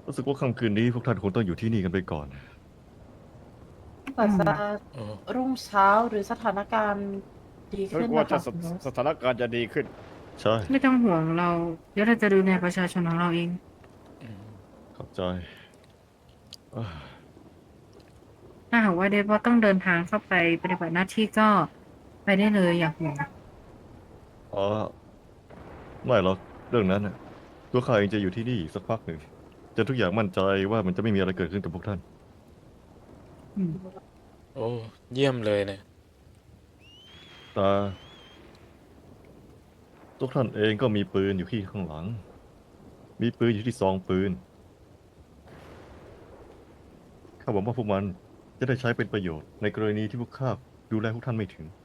รู้สึกว่าค่ำคืนนี้พวกท่านคงต้องอยู่ที่นี่กันไปก่อนกว่าจะอ๋อรุ่งเช้าหรือสถานการณ์ดีฉันขึ้นนะกลัวจะคะคุณโรสสถานการณ์จะดีขึ้นใช่ไม่ต้องห่วงเราเดี๋ยวเราจะดูแลประชาชนของเราเองขอบใจอ่าถ้าหากว่าเดฟว่าต้องเดินทางเข้าไปปฏิบัติหน้าที่ก็ไปได้เลยอย่าห่วงอ๋อไม่หรอกเรื่องนั้นน่ะตัวข้าเองจะอยู่ที่นี่อีกสักพักหนึ่งจะทุกอย่างมั่นใจว่ามันจะไม่มีอะไรเกิดขึ้นกับพวกท่านอืมโอ้เยี่ยมเลยเนี่ยแต่ตัวท่านเองก็มีปืนอยู่ที่ข้างหลัง มีปืนอยู่ที่ซองปืนข้าหวังว่าพวกมันจะได้ใช้เป็นประโยชน์ในกรณีที่พวกข้าดูแลพวกท่านไม่ถึง